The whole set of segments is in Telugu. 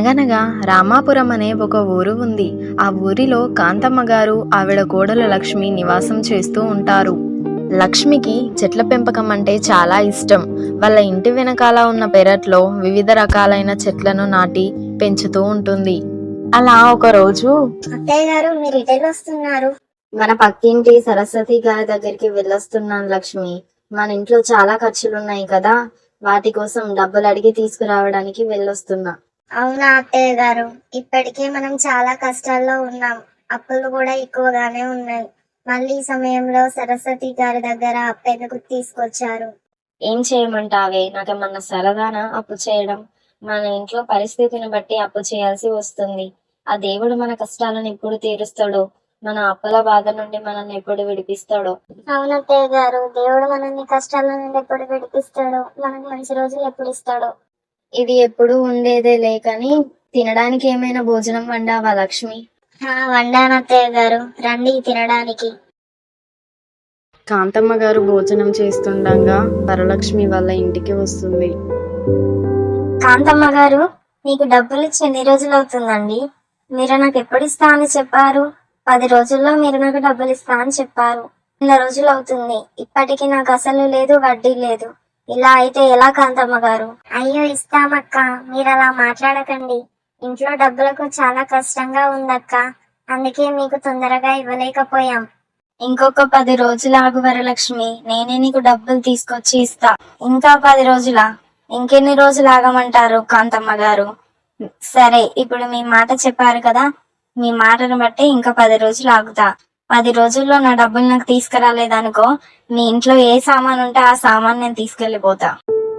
అనగనగా రామాపురం అనే ఒక ఊరు ఉంది. ఆ ఊరిలో కాంతమ్మ గారు ఆవిడ కోడలు లక్ష్మి నివాసం చేస్తూ ఉంటారు. లక్ష్మికి చెట్ల పెంపకం అంటే చాలా ఇష్టం. వాళ్ళ ఇంటి వెనకాల ఉన్న పెరట్లో వివిధ రకాలైన చెట్లను నాటి పెంచుతూ ఉంటుంది. అలా ఒక రోజు అత్తయ్య గారు, మీరు ఇటెల్ వస్తున్నారు? మన పక్కింటి సరస్వతి గారి దగ్గరికి వెళ్ళొస్తున్నాను లక్ష్మి. మన ఇంట్లో చాలా ఖర్చులున్నాయి కదా, వాటి కోసం డబ్బులు అడిగి తీసుకురావడానికి వెళ్ళొస్తున్నా. అవునా అత్తయ్య గారు, ఇప్పటికే మనం చాలా కష్టాల్లో ఉన్నాం. అప్పులు కూడా ఎక్కువగానే ఉన్నాయి. మళ్ళీ ఈ సమయంలో సరస్వతి గారి దగ్గర అప్పెందుకు తీసుకొచ్చారు? ఏం చేయమంటావే, నాకేమన్నా సరదానా అప్పు చేయడం? మన ఇంట్లో పరిస్థితిని బట్టి అప్పు చేయాల్సి వస్తుంది. ఆ దేవుడు మన కష్టాలను ఎప్పుడు తీరుస్తాడో, మన అప్పుల బాధ నుండి మనల్ని ఎప్పుడు విడిపిస్తాడో. అవునత్తయ్య గారు, దేవుడు మనల్ని కష్టాల నుండి ఎప్పుడు విడిపిస్తాడో, మనకు మంచి రోజులు ఎప్పుడు ఇస్తాడో. ఇది ఎప్పుడు ఉండేదే లేకని తినడానికి ఏమైనా భోజనం వండావా లక్ష్మి? వండాను అత్తయ్య గారు, రండి తినడానికి. కాంతమ్మ గారు భోజనం చేస్తుండగా వరలక్ష్మి వాళ్ళ ఇంటికి వస్తుంది. కాంతమ్మ గారు, మీకు డబ్బులు ఇచ్చి ఎన్ని రోజులు అవుతుందండి? మీరు నాకు ఎప్పుడు ఇస్తా అని చెప్పారు? 10 రోజుల్లో మీరు నాకు డబ్బులు ఇస్తా అని చెప్పారు. 100 రోజులు అవుతుంది, ఇప్పటికి నాకు అసలు లేదు, వడ్డీ లేదు. ఇలా అయితే ఎలా కాంతమ్మ గారు? అయ్యో ఇస్తామక్క, మీరు అలా మాట్లాడకండి. ఇంట్లో డబ్బులకు చాలా కష్టంగా ఉందక్క, అందుకే మీకు తొందరగా ఇవ్వలేకపోయాం. ఇంకొక 10 రోజులు ఆగు వరలక్ష్మి, నేనే నీకు డబ్బులు తీసుకొచ్చి ఇస్తా. ఇంకా 10 రోజులా? ఇంకెన్ని రోజులు ఆగమంటారు కాంతమ్మ గారు? సరే, ఇప్పుడు మీ మాట చెప్పారు కదా, మీ మాటను బట్టి ఇంకా 10 రోజులు ఆగుతా. 10 రోజుల్లో నా డబ్బులు నాకు తీసుకురాలేదనుకో, మీ ఇంట్లో ఏ సామాన్ ఉంటే ఆ సామాన్ నేను తీసుకెళ్లిపోతా.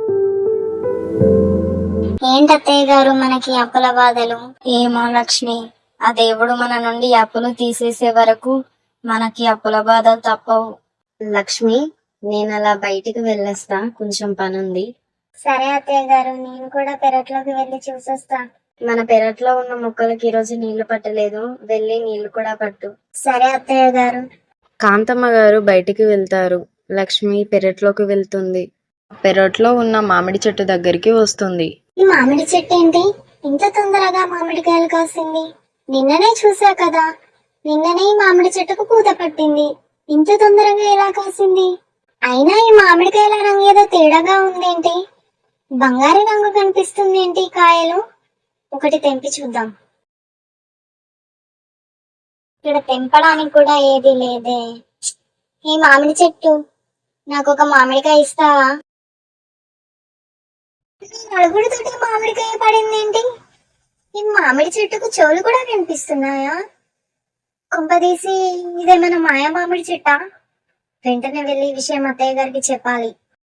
ఏంటత్తయ్య గారు మనకి అప్పుల బాధలు? ఏమో లక్ష్మి, ఆ దేవుడు మన నుండి అప్పులు తీసేసే వరకు మనకి అప్పుల బాధలు తప్పవు. లక్ష్మి, నేను అలా బయటికి వెళ్ళొస్తా, కొంచెం పనుంది. సరే అత్తయ్య గారు, నేను కూడా పెరట్లోకి వెళ్ళి చూసొస్తా. మన పెరట్లో ఉన్న మొక్కలకి ఈరోజు నీళ్లు పట్టలేదు, వెళ్ళి నీళ్లు కూడా పట్టు. సరే అత్తయ్య గారు. కాంతమ్మ గారు బయటికి వెళ్తారు. లక్ష్మి పెరట్లోకి వెళ్తుంది. పెరట్లో ఉన్న మామిడి చెట్టు దగ్గరికి వస్తుంది. ఈ మామిడి చెట్టు ఏంటి ఇంత తొందరగా మామిడికాయలు కాసింది? నిన్ననే చూసా కదా, నిన్ననే ఈ మామిడి చెట్టుకు పూత పట్టింది. ఇంత తొందరగా ఎలా కాసింది? అయినా ఈ మామిడికాయల రంగు ఏదో తేడాగా ఉందేంటి? బంగారు రంగు కనిపిస్తుంది ఏంటి కాయలు? ఒకటి తెంపి చూద్దాం. ఇక్కడ తెంపడానికి కూడా ఏది లేదే. ఈ మామిడి చెట్టు, నాకు ఒక మామిడికాయ ఇస్తావా? నలుగురితోటి మామిడికాయ పడిందేంటి? ఈ మామిడి చెట్టుకు చెవులు కూడా కనిపిస్తున్నాయా? కొంపదీసి ఇదేమైనా మాయా మామిడి చెట్టా? వెంటనే వెళ్ళి ఈ విషయం అత్తయ్య గారికి చెప్పాలి.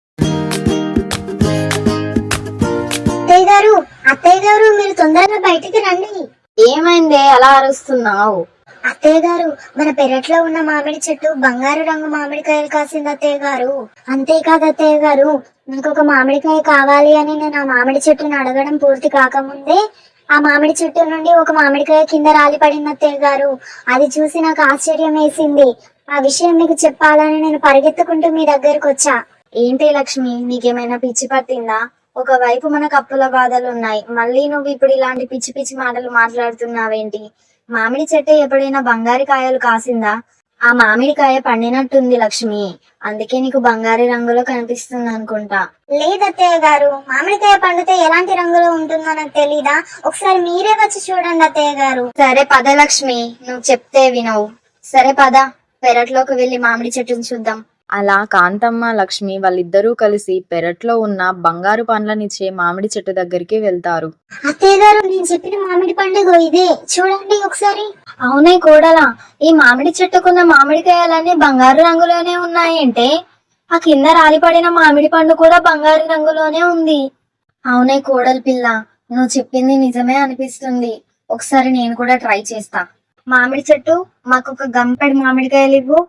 అత్తయ్య గారు, అత్తయ్య గారు, మీరు తొందరగా బయటికి రండి. ఏమైందే అలా అరుస్తున్నావు? అత్తయ్య గారు, మన పెరట్లో ఉన్న మామిడి చెట్టు బంగారు రంగు మామిడికాయలు కాసింది అత్తయ్య గారు. అంతేకాదు అత్తయ్య గారు, నాకు ఒక మామిడికాయ కావాలి అని నేను ఆ మామిడి చెట్టును అడగడం పూర్తి కాకముందే ఆ మామిడి చెట్టు నుండి ఒక మామిడికాయ కింద రాలి పడింది అత్తయ్య గారు. అది చూసి నాకు ఆశ్చర్యం వేసింది. ఆ విషయం మీకు చెప్పాలని నేను పరిగెత్తుకుంటూ మీ దగ్గరకు వచ్చా. ఏంటి లక్ష్మి, నీకేమైనా పిచ్చి పట్టిందా? ఒకవైపు మనకు అప్పుల బాధలు ఉన్నాయి, మళ్ళీ నువ్వు ఇప్పుడు ఇలాంటి పిచ్చి పిచ్చి మాటలు మాట్లాడుతున్నావేంటి? మామిడి చెట్టు ఎప్పుడైనా బంగారు కాయలు కాసిందా? ఆ మామిడికాయ పండినట్టుంది లక్ష్మి, అందుకే నీకు బంగారు రంగులో కనిపిస్తుంది అనుకుంటా. లేదత్తయ్య గారు, మామిడికాయ పండితే ఎలాంటి రంగులో ఉంటుందో నాకు తెలీదా? ఒకసారి మీరే వచ్చి చూడండి అత్తయ్య గారు. సరే పద లక్ష్మి, నువ్వు చెప్తే వినవు. సరే పద, పెరట్లోకి వెళ్లి మామిడి చెట్టును చూద్దాం. అలా కాంతమ్మ లక్ష్మి వాళ్ళిద్దరూ కలిసి పెరట్లో ఉన్న బంగారు పండ్లనిచ్చే మామిడి చెట్టు దగ్గరికి వెళ్తారు. అత్తయ్య గారు, నేను చెప్పిన మామిడి పండుగ ఇదే, చూడండి ఒకసారి. అవునే కోడలా, ఈ మామిడి చెట్టుకున్న మామిడికాయలన్నీ బంగారు రంగులోనే ఉన్నాయంటే, ఆ కింద రాలిపడిన మామిడి పండు కూడా బంగారు రంగులోనే ఉంది. అవునే కోడలి పిల్ల, నువ్వు చెప్పింది నిజమే అనిపిస్తుంది. ఒకసారి నేను కూడా ట్రై చేస్తా. మామిడి చెట్టు, మాకు ఒక గంపెడు మామిడికాయలు ఇవ్వు.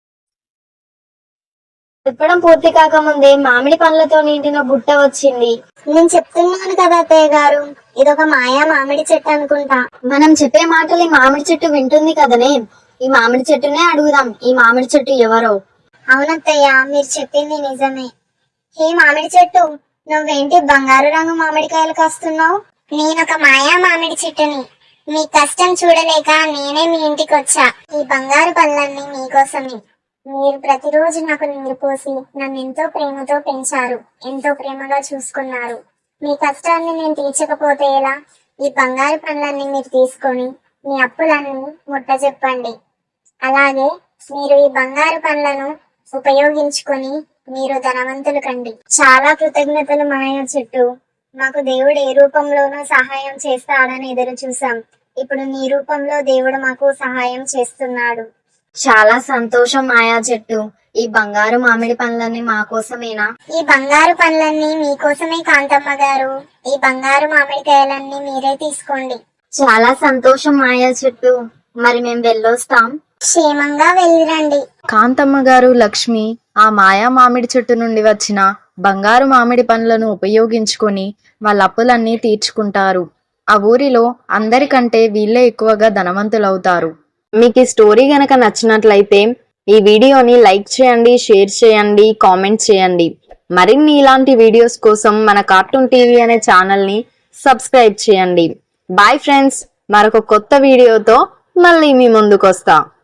చెప్పడం పూర్తి కాకముందే మామిడి పండ్లతో నిండిన బుట్ట వచ్చింది. నేను చెప్తున్నాను కదా అత్తయ్య గారు, ఇదొక మాయా మామిడి చెట్టు అనుకుంటా. మనం చెప్పే మాటలు ఈ మామిడి చెట్టు వింటుంది కదనే, ఈ మామిడి చెట్టునే అడుగుదాం, ఈ మామిడి చెట్టు ఎవరో. అవునత్తయ్య, మీరు చెప్పింది నిజమే. ఏ మామిడి చెట్టు, నువ్వేంటి బంగారు రంగు మామిడికాయలు కాస్తున్నావు? నేనొక మాయా మామిడి చెట్టుని. మీ కష్టం చూడలేక నేనే మీ ఇంటికి వచ్చా. ఈ బంగారు పళ్ళన్నీ మీకోసమే. మీరు ప్రతిరోజు నాకు నీరు పోసి నన్ను ఎంతో ప్రేమతో పెంచారు, ఎంతో ప్రేమగా చూసుకున్నారు. మీ కష్టాన్ని నేను తీర్చకపోతే ఎలా? ఈ బంగారు పళ్ళన్నీ మీరు తీసుకొని మీ అప్పులన్నీ ముట్టజెప్పండి. అలాగే మీరు ఈ బంగారు పళ్ళను ఉపయోగించుకొని మీరు ధనవంతులు కండి. చాలా కృతజ్ఞతలు మాయా చెట్టు. మాకు దేవుడు ఏ రూపంలోనూ సహాయం చేస్తాడని ఎదురు చూసాం. ఇప్పుడు నీ రూపంలో దేవుడు మాకు సహాయం చేస్తున్నాడు. చాలా సంతోషం మాయా చెట్టు. ఈ బంగారు మామిడి పండ్లన్నీ మా కోసమేనా? ఈ బంగారు పండ్లన్నీ మీకోసమే కాంతమ్మ గారు. ఈ బంగారు మామిడికాయలన్నీ మీరే తీసుకోండి. చాలా సంతోషం మాయా చెట్టు. మరి మేము వెళ్ళొస్తాం. క్షేమంగా వెళ్ళిరండి. కాంతమ్మ గారు లక్ష్మి ఆ మాయా మామిడి చెట్టు నుండి వచ్చిన బంగారు మామిడి పండ్లను ఉపయోగించుకొని వాళ్ళ అప్పులన్నీ తీర్చుకుంటారు. ఆ ఊరిలో అందరికంటే వీళ్ళే ఎక్కువగా ధనవంతులవుతారు. మీకు ఈ స్టోరీ గనక నచ్చినట్లయితే ఈ వీడియోని లైక్ చేయండి, షేర్ చేయండి, కామెంట్ చేయండి. మరిన్ని ఇలాంటి వీడియోస్ కోసం మన కార్టూన్ టీవీ అనే ఛానల్ని సబ్స్క్రైబ్ చేయండి. బాయ్ ఫ్రెండ్స్, మరొక కొత్త వీడియోతో మళ్ళీ మీ ముందుకు వస్తా.